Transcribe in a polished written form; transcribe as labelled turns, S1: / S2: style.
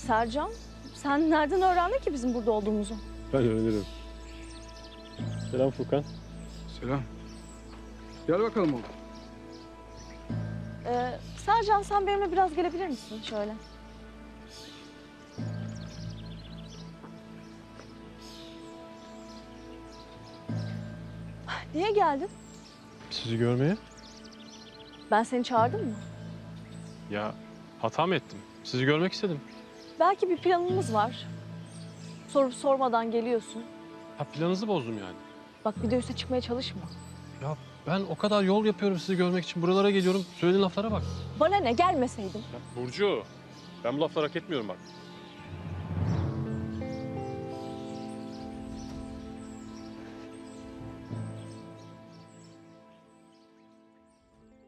S1: Sercan, sen nereden öğrendin ki bizim burada olduğumuzu?
S2: Ben öğrenirim. Selam Furkan.
S3: Selam. Gel bakalım oğlum.
S1: Sercan, sen benimle biraz gelebilir misin şöyle? Niye geldin?
S2: Sizi görmeye?
S1: Ben seni çağırdım mı?
S2: Ya hata mı ettim? Sizi görmek istedim.
S1: Belki bir planımız var. Sorup sormadan geliyorsun.
S2: Ha, planınızı bozdum yani.
S1: Bak, bir de üste çıkmaya çalışma.
S2: Ya ben o kadar yol yapıyorum sizi görmek için. Buralara geliyorum. Söylediğin laflara bak.
S1: Bana ne, gelmeseydim.
S2: Ya Burcu, ben bu lafları hak etmiyorum bak.